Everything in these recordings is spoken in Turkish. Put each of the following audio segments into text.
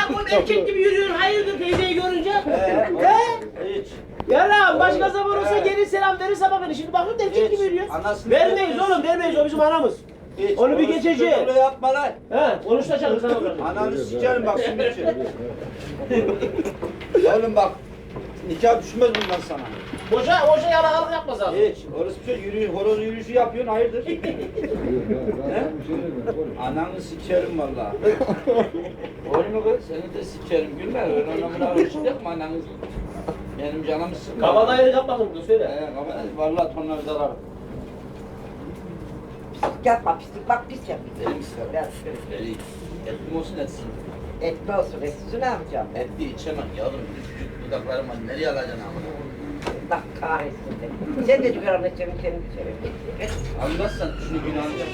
bu erkek gibi yürüyorsun. Hayırdır teyzeyi görünce? He? Hiç. Ya lan başka zaman olsa gelir selam verir sabah beni. Şimdi bakın erkek gibi yürüyor. Vermeyiz oğlum vermeyiz o bizim anamız. Hiç. Onu bir geçeceğiz. Öyle yapma lan. He konuşacağız sana bakalım. Ananı sikerim bak şimdi için. Oğlum bak. Nikah düşmez bundan sana. Boşa yalakalık yapmaz abi. Hiç. Orası bir şey yürüyüş, horoz yürüyüşü yapıyorsun hayırdır? He? Ananı sikerim valla. Oğlum kız seni de sikerim gülme. Öyle onunla alışık yapma ananı. Benim canımı sıkma. Kabadayılık yapmasın bunu söyle. Valla tonla bir zarar. Pislik yapma, pislik bak pis yap. Benim sıkarım. Ben sıkarım. Veli. Etli olsun etsin. Etme olsun, etsiz ne yapacağım? Etli içemem yavrum. Küçücük dudaklarıma nereye alacaksın amına? Allah kahretsin seni. Sen de çıkarın içerim, seni içerim. Anlarsan şunu günahını yap.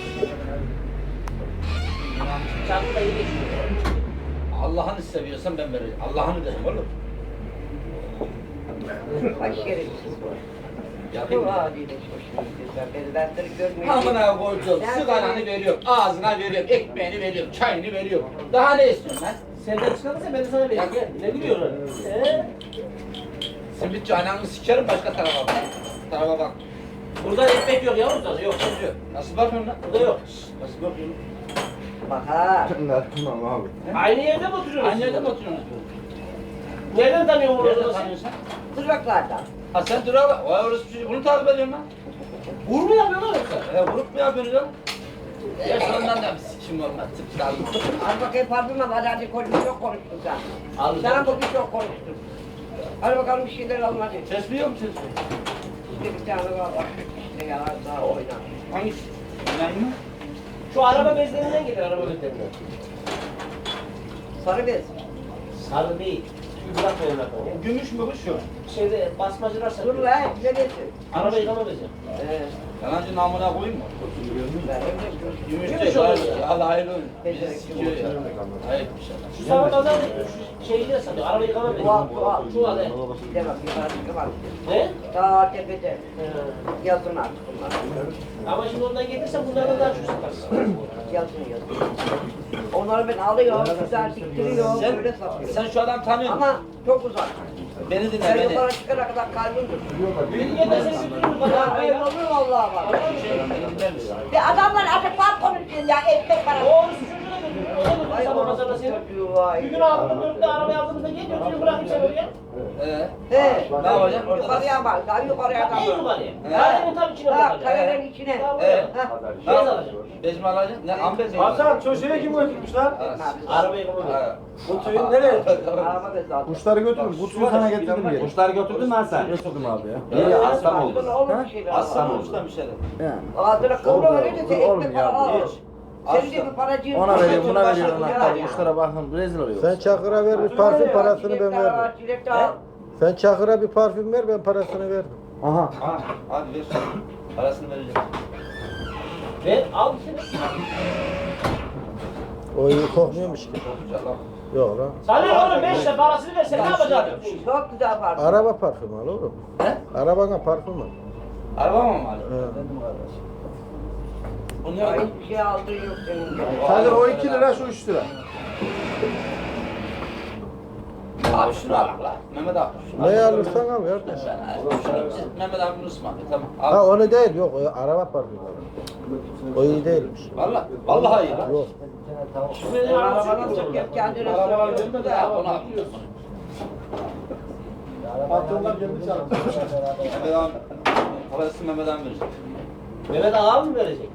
Çarpı da iyi geçiyor. Allah'ını seviyorsan ben vereceğim. Allah'ını derim oğlum. Bak şerefsiz bu. Yapayım Bu mı? haliyle hoşuma gidiyor. Ben seni görmeyeyim. Amına koyduğum Ben sigaranı seni- veriyorum, ağzına veriyorum, ekmeğini veriyorum, çayını veriyorum. Daha ne istiyorsun lan? Senden çıkarsa ben de sana vereyim. Gel. Ne gülüyorsun? Simitçi ananı sikerim başka tarafa bak. Tarafa bak. Burada ekmek yok yavrum sana yok. Çocuğu. Nasıl bakıyorsun lan? Burada yok. Nasıl bakıyorsun? Bak ha. Tamam abi. Aynı yerde mi oturuyorsunuz? Aynı yerde mi oturuyorsunuz? Nereden tanıyorsun bunu? Nerede tanıyorsun? Duraklardan. Ha sen dur abi. Vay orası bir şey. Bunu takip ediyorsun lan. Vur mu yapıyorsun yoksa? Vurup mu yapıyorsun lan? Ya sonundan da bir sikim olmaz. Tıp dalma. Al bakayım parfüm al. Hadi konuştun, çok konuştun sen. Al. Sana bugün çok konuştun. Hadi bakalım bir şeyler alın hadi. Tesbih mi tesbih? İşte bir tane var bak. İşte yalan daha oyna. Hangisi? İnanayım mı? Şu araba bezlerinden gelir araba bezlerinden. Sarı bez. Sarı değil. Tüy bırakmayın bakalım. Gümüş mü bu şu? Şeyde basmacılar Dur satıyor. lan, güzel etsin. Araba yıkama bezi. Yalancı namına koyayım mı? Gümüş Gümüş değil. olur. Allah hayırlı olsun. Bizi Becerikli sikiyor ya. Hayır bir şey. Şu sabah pazar şu şeyi de satıyor. Araba yıkama bezi. Çuval, çuval. Çuval he. Bir de bak, bir var. Ne? Daha tepede. He. Yazın artık bunlar. Ama şimdi oradan getirsen bunlardan daha çok satarsın. Yazın. Onları ben alıyorum, güzel diktiriyorum, böyle satıyorum. Sen şu adam tanıyor musun? Ama çok uzak. Beni dinle Ben beni. yukarı çıkana kadar kalbim durur. Bilgiye de sesi duyuyor bana Ya arabayla. öyle olur vallahi bak. Beni dinler misin? Ya adamlar artık var konuşuyor ya, ekmek parası. Doğrusu çocuğuna götürüyor. O da götürüyor Ay sabah orası pazarda seni. çocuğu vay. Bir gün aldığında dörtte arabayı aldığımızda gel götürüyor bırakayım sen oraya. He. Ne yapacaksın? Yukarıya bak, daha yukarıya En kadar. yukarıya. He. Kayanın tam içine Ha, bırakacak. kayanın içine. Tamam. He. Ha. Ne Bez yapacaksın? alacağım. Bez mi alacaksın? Ne ambez mi? Hasan çocuğu kim götürmüş lan? Arabayı yıkama bezi. Ha. Kutuyu nereye? Araba bez aldım. Kuşları götürün. Kutuyu sana getirdim geri. Kuşları götürdün lan sen. Götürdüm abi ya. İyi aslan oldu. Aslında olur bir şeyler. Aslan olmuş da bir şeyler. Ağzına kıvra verir de sen Oğlum ekmek ya, para al. hiç. Senin de bir paracığın. Ona veriyorum, buna Başka veriyorum. bir Anahtarı. ya. Kuşlara bakın rezil oluyor. Sen Çakır'a ver bir parfüm parasını ben Çilek de veririm. al, çilek de al. Sen Çakır'a bir parfüm ver ben parasını veririm. Aha. Ha, hadi ver. Parasını vereceğim. Ver al seni. O iyi kokmuyormuş ki. Yalan. Yok lan. Sana oğlum 5 lira parasını versen ne yapacaksın? Çok güzel parfüm. Araba parfümü al oğlum. He? Arabana parfüm al. Araba mı var? He. Bunu Ya ne hiçbir şey aldığın yok senin. Hadi o 2 lira şu 3 lira. Abi şunu al la. Mehmet abi. Şunu Ne al. alırsan al kardeş. Şunu Mehmet abinin ısmarladı. Tamam. Ha Al. onu değil yok o araba parfümü. O iyi değilmiş. Valla. Vallahi iyi. Yok. Sen arabanı sık yap kendine Araba sık. gönder de ya. Onu al. Patronlar kendi çalışıyor. Mehmet abi. Parasını Mehmet abi verecek. Mehmet Ağa mı verecek?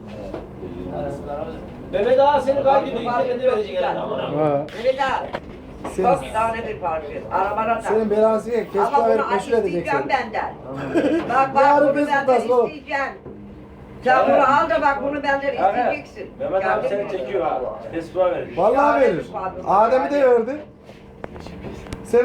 Mehmet Ağa seni kaybediyor. İnternette verecek herhalde. Ha. Öyle de Senin, çok tane bir parfüm. Arabana da. senin belansı ye. Kesme Ama verip bunu meşhur edecek isteyeceğim seni. benden. Bak Yarın bunu biz benden tutasın oğlum. isteyeceğim. Sen bunu al da bak bunu benden isteyeceksin. Mehmet abi Geldin seni mi? çekiyor abi. Facebook'a verir. Vallahi verir. Adem'i de verdi.